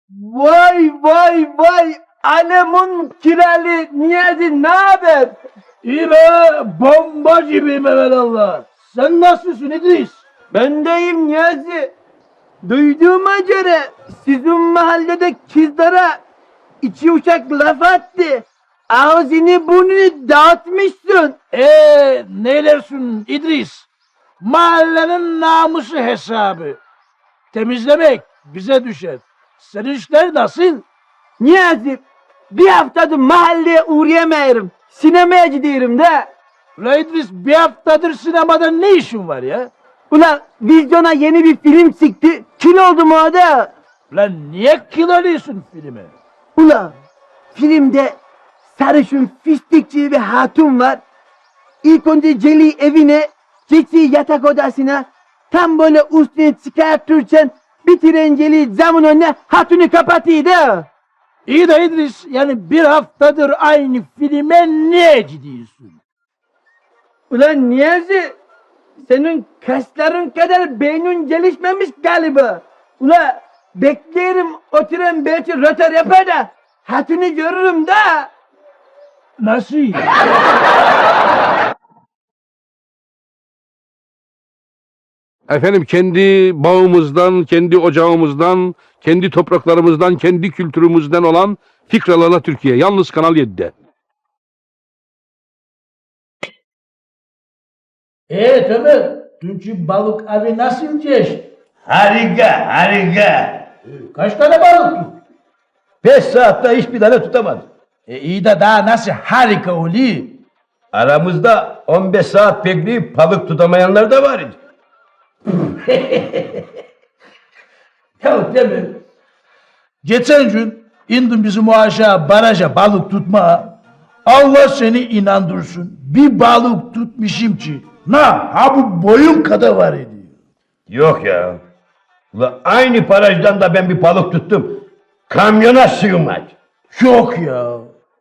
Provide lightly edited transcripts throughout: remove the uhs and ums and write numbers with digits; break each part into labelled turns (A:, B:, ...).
A: Vay vay vay! Alemun kirali Niyazi ne haber?
B: İyi be, bomba gibiyim evelallah. Sen nasılsın İdris?
A: Ben deyim Niyazi. Duyduğuma göre sizin mahallede kızlara içi uçak laf attı. Ağzını burnunu dağıtmışsın.
B: Neylersin İdris? Mahallenin namusu hesabı. Temizlemek bize düşer. Senin işler nasıl?
A: Niyazi bir haftadır mahalleye uğrayamıyorum. Sinemaya gidiyorum da.
B: Ulan İdris, bir haftadır sinemada ne işin var ya?
A: Ulan vizyona yeni bir film çıktı. Kil oldum orada.
B: Ulan niye kiloluyorsun filmi?
A: Ulan filmde sarışın fistikçi bir hatun var. İlk önce Celi evine, geçiyor yatak odasına. Tam böyle üstüne çıkartırken bitiren Celi camın önüne hatunu kapatıyor da.
B: İyi de İdris, yani bir haftadır aynı filme niye gidiyorsun?
A: Ulan Niyazi, senin kasların kadar beynin gelişmemiş galiba. Ulan beklerim oturan belki rötar yapar da hatunu görürüm da.
B: Nasıl?
C: Efendim kendi bağımızdan, kendi ocağımızdan, kendi topraklarımızdan, kendi kültürümüzden olan Fikralarla Türkiye. Yalnız Kanal 7'de.
B: Tabii. Dünkü balık abi nasıl geçti?
D: Harika, harika.
B: Kaç tane balık tut?
D: 5 saatte hiçbir tane tutamadım.
B: İyi de daha nasıl harika oluyor?
D: Aramızda 15 saat bekleyip balık tutamayanlar da var idi.
B: Ya değil mi? Geçen gün indim bizim o aşağı baraja balık tutmaya. Allah seni inandırsın. Bir balık tutmuşum ki. Ha bu boyum kadar var ediyor.
D: Yok ya. Ulan aynı barajdan da ben bir balık tuttum. Kamyona sığmaz.
B: Yok ya.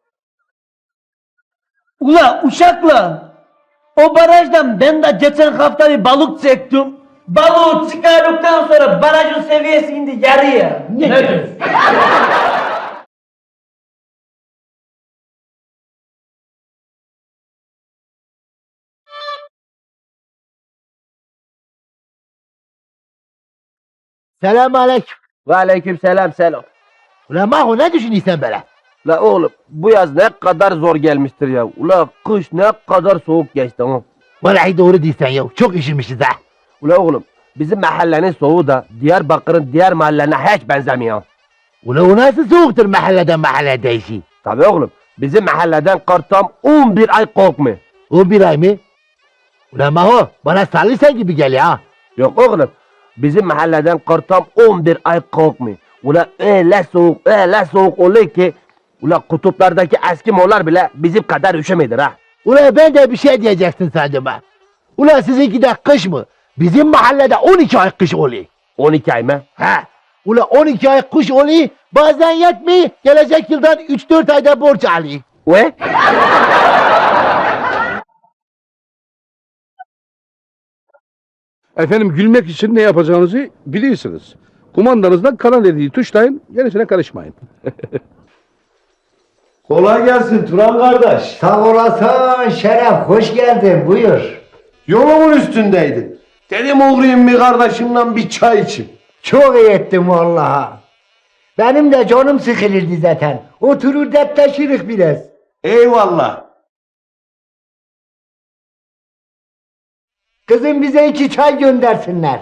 A: Ulan uşakla o barajdan ben de geçen hafta bir balık çektim. Balığı çıkardıktan sonra barajın seviyesi indi yarıya.
B: Ne diyorsun?
E: Selamun aleyküm.
A: Ve aleyküm selam selam.
E: Ulan Maho ne düşünüyorsun böyle?
A: La oğlum bu yaz ne kadar zor gelmiştir ya. Ula kış ne kadar soğuk geçti ama.
E: Vallahi doğru değilsen ya. Çok üşümüşüz ha.
A: Ula oğlum bizim mahallenin soğuğu da Diyarbakır'ın diğer mahallelerine hiç benzemiyor.
E: Ulan o nasıl soğuktur mahalleden mahalleye değişi?
A: Tabii oğlum bizim mahalleden kar tam 11 ay kokmuyor.
E: 11 ay mı? Ulan Maho bana sallıysan gibi geliyor ha.
A: Yok oğlum bizim mahalleden kar tam 11 ay kokmuyor. Ula öyle soğuk oluyor ki ula kutuplardaki Eskimolar bile bizim kadar üşümedir ha.
E: Ulan ben de bir şey diyeceksin sandım ha. Ulan sizinki de kış mı? Bizim mahallede 12 ay kış oluyor.
A: 12 ay mı?
E: Ha. Ulan 12 ay kış oluyor. Bazen yetmiyor. Gelecek yıldan 3-4 ayda borç alıyor.
A: Ve?
C: Efendim gülmek için ne yapacağınızı biliyorsunuz. Kumandanızdan Kanal 7'yi tuşlayın, gerisine karışmayın.
F: Kolay gelsin Turan kardeş.
G: Sağ olasın Şeref, hoş geldin, buyur.
F: Yolumun üstündeydin. Dedim uğrayayım bir kardeşimle bir çay içeyim.
G: Çok iyi ettin vallahi. Benim de canım sıkılırdı zaten. Oturur dertleşirik biraz.
F: Eyvallah.
G: Kızım bize 2 çay göndersinler.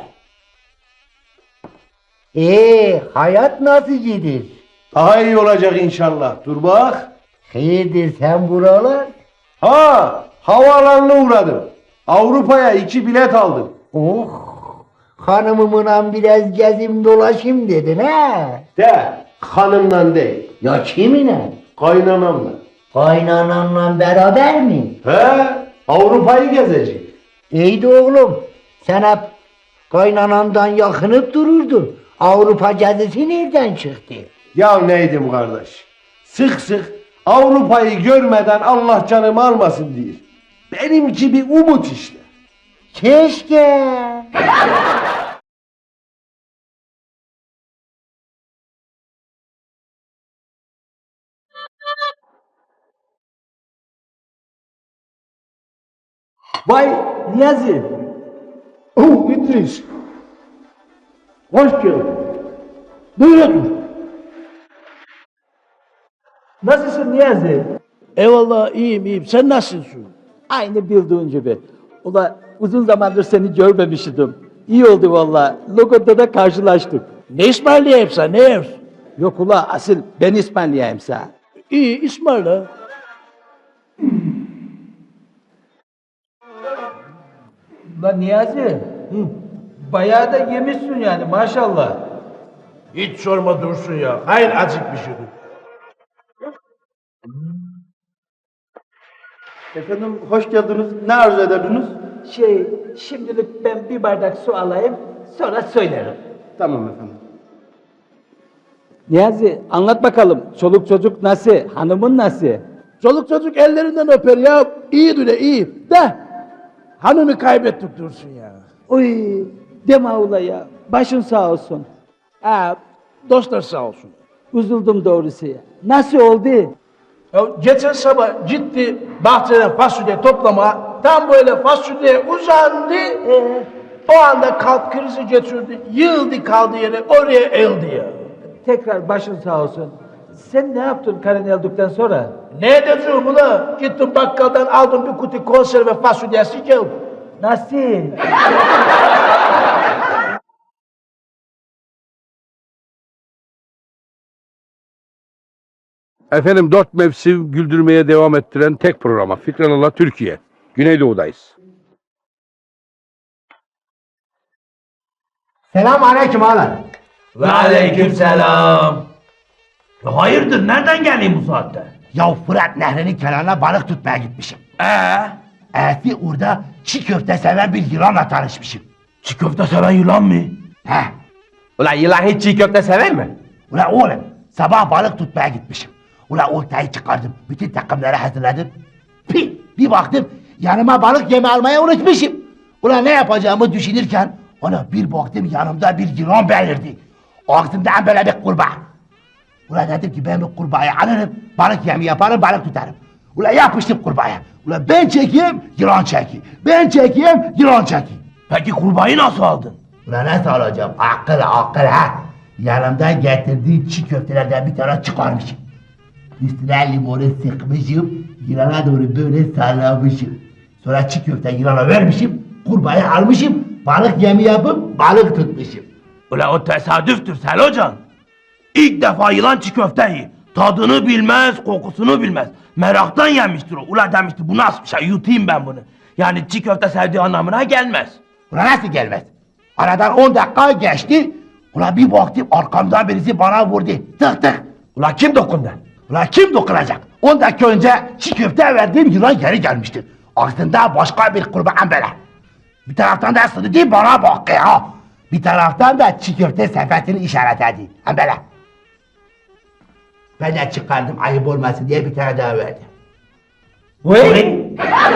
G: Hayat nasıl gidiyor?
F: Daha iyi olacak inşallah. Dur bak.
G: Hayırdır sen buralar?
F: Ha, havaalanına uğradım. Avrupa'ya 2 bilet aldım.
G: Oh, hanımımla biraz gezim dolaşayım dedin ha?
F: De, hanımla değil.
G: Ya kiminle?
F: Kaynanamla.
G: Kaynananla beraber mi?
F: He, Avrupa'yı gezecek.
G: İyi de oğlum, sen hep kaynanandan yakınıp dururdun. Avrupa gezisi nereden çıktı?
F: Ya neydim kardeş? Sık sık Avrupa'yı görmeden Allah canımı almasın diyor. Benimki bir umut işte.
G: Keşke.
A: Vay Niyazi.
F: Oh İdris.
B: Hoş geldin. Buyur otur.
A: Nasılsın Niyazi?
B: Eyvallah iyiyim. Sen nasılsın?
A: Aynı bildiğin gibi. Ula uzun zamandır seni görmemiştim. İyi oldu valla. Logoda da karşılaştık.
B: Ne ısmarlayayım sana, ne yersin?
A: Yok ula asıl ben İspanya'yım sana.
B: İyi ısmarla.
A: Ulan Niyazi. Bayağı da yemişsin yani maşallah.
B: Hiç sorma Dursun ya. Hayır acıkmışım.
H: Efendim hoş geldiniz. Ne arzu ederdiniz?
A: Şimdilik ben bir bardak su alayım, sonra söylerim.
H: Tamam efendim.
A: Niyazi anlat bakalım. Çoluk çocuk nasıl? Hanımın nasıl?
B: Çoluk çocuk ellerinden öper ya. İyidir de iyi. De. Hanımı kaybettik Dursun ya.
A: Oy deme ula ya. Başın sağ olsun.
B: Dostlar sağ olsun.
A: Üzüldüm doğrusu ya. Nasıl oldu?
B: Ya geçen sabah gitti bahçeden fasulye toplama. Tam böyle fasulye uzandı. O anda kalp krizi geçirdi. Yığıldı kaldı yere. Oraya eldi ya.
A: Tekrar başın sağ olsun. Sen ne yaptın karın öldükten sonra?
B: Ne edeceğim ula? Gittim bakkaldan aldım bir kutu konserve fasulyesi geldim.
A: Nasıl?
C: Efendim 4 mevsim güldürmeye devam ettiren tek programa Fikralarla Türkiye. Güneydoğu'dayız.
E: Selam aleyküm ağalar.
D: Ve aleykümselam. Hayırdır nereden geldin bu saatte?
E: Ya Fırat Nehri'nin kenarına balık tutmaya gitmişim. Eğer orada çiğ köfte seven bir yılanla tanışmışım.
D: Çiğ köfte seven yılan mı?
E: Heh.
H: Ulan yılan hiç çiğ köfte sever mi?
E: Ulan oğlum sabah balık tutmaya gitmişim. Ulan oltayı çıkardım. Bütün takımları hazırladım. Bir baktım yanıma balık yemi almayı unutmuşum. Ulan ne yapacağımı düşünürken ona bir baktım yanımda bir yılan belirdi. Ağzımdan böyle bir kurbağa. Ulan dedim ki ben bu kurbağayı alırım, balık yemi yaparım, balık tutarım. Ulan yapıştım kurbağaya. Ulan ben çekeyim, yılan çekeyim. Ben çekeyim, yılan çekeyim.
D: Peki kurbağayı nasıl aldın?
E: Ulan nasıl alacağım? Akıl ha. Yanımdan getirdiği çiğ köftelerden bir tane çıkarmışım. Üstüne limonu sıkmışım, yılana doğru böyle sallamışım. Sonra çiğ köfte yılana vermişim, kurbağayı almışım, balık yemi yapıp balık tutmuşum.
D: Ula o tesadüftür Selocan. İlk defa yılan çiğ köfteyi tadını bilmez, kokusunu bilmez. Meraktan yemiştir o. Ula demiştir bu nasıl bir şey yutayım ben bunu. Yani çiğ köfte sevdiği anlamına gelmez.
E: Ulan nasıl gelmez? Aradan 10 dakika geçti, ulan bir baktım arkamdan birisi bana vurdu. Tık tık.
D: Ula kim dokundu?
E: Ulan kim dokunacak? 10 dakika önce çiğ köfte verdiğim yılan geri gelmişti. Aslında başka bir kurban böyle. Bir taraftan da sırrı bana bakıyor. Bir taraftan da çiğ köfte sepetini işaretledi. Hem böyle. Ben de çıkardım ayıp olmasın diye bir tane daha verdim.
D: Vay!